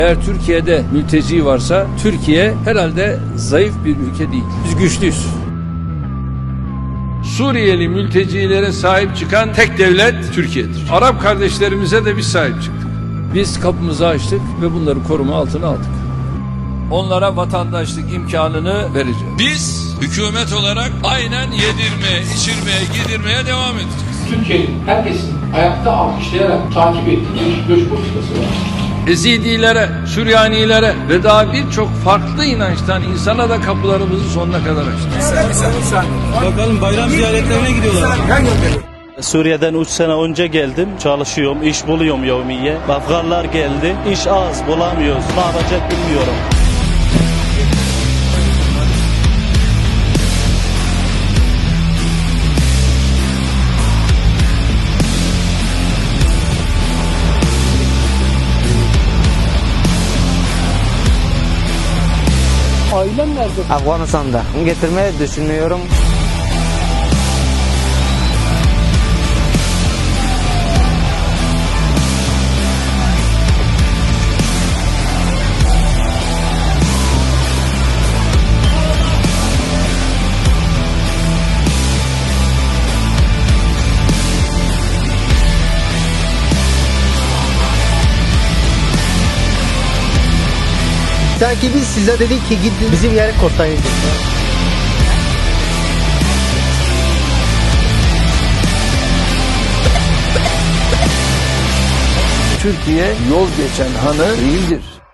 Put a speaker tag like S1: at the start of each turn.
S1: Eğer Türkiye'de mülteci varsa Türkiye herhalde zayıf bir ülke değil. Biz güçlüyüz. Suriyeli mültecilere sahip çıkan tek devlet Türkiye'dir. Arap kardeşlerimize de biz sahip çıktık. Biz kapımızı açtık ve bunları koruma altına aldık. Onlara vatandaşlık imkanını vereceğiz.
S2: Biz hükümet olarak aynen yedirmeye, içirmeye, giydirmeye devam edeceğiz.
S3: Türkiye'nin herkesin ayakta alkışlayarak takip ettiği bir göç politikası var.
S1: Ezidilere, Süryanilere ve daha birçok farklı inançtan insana da kapılarımızı sonuna kadar açtık.
S4: Bakalım bayram ziyaretlerine gidiyorlar.
S5: Suriye'den 3 sene önce geldim. Çalışıyorum, iş buluyorum yevmiye. Afganlar geldi. İş az, bulamıyoruz. Ne yapacak bilmiyorum.
S6: Ailem nerede?
S7: Afganistan'da. Getirmeyi düşünüyorum.
S6: Sanki biz size dedik ki gidin bizim yere kurtarın.
S1: Türkiye yol geçen hanı değildir.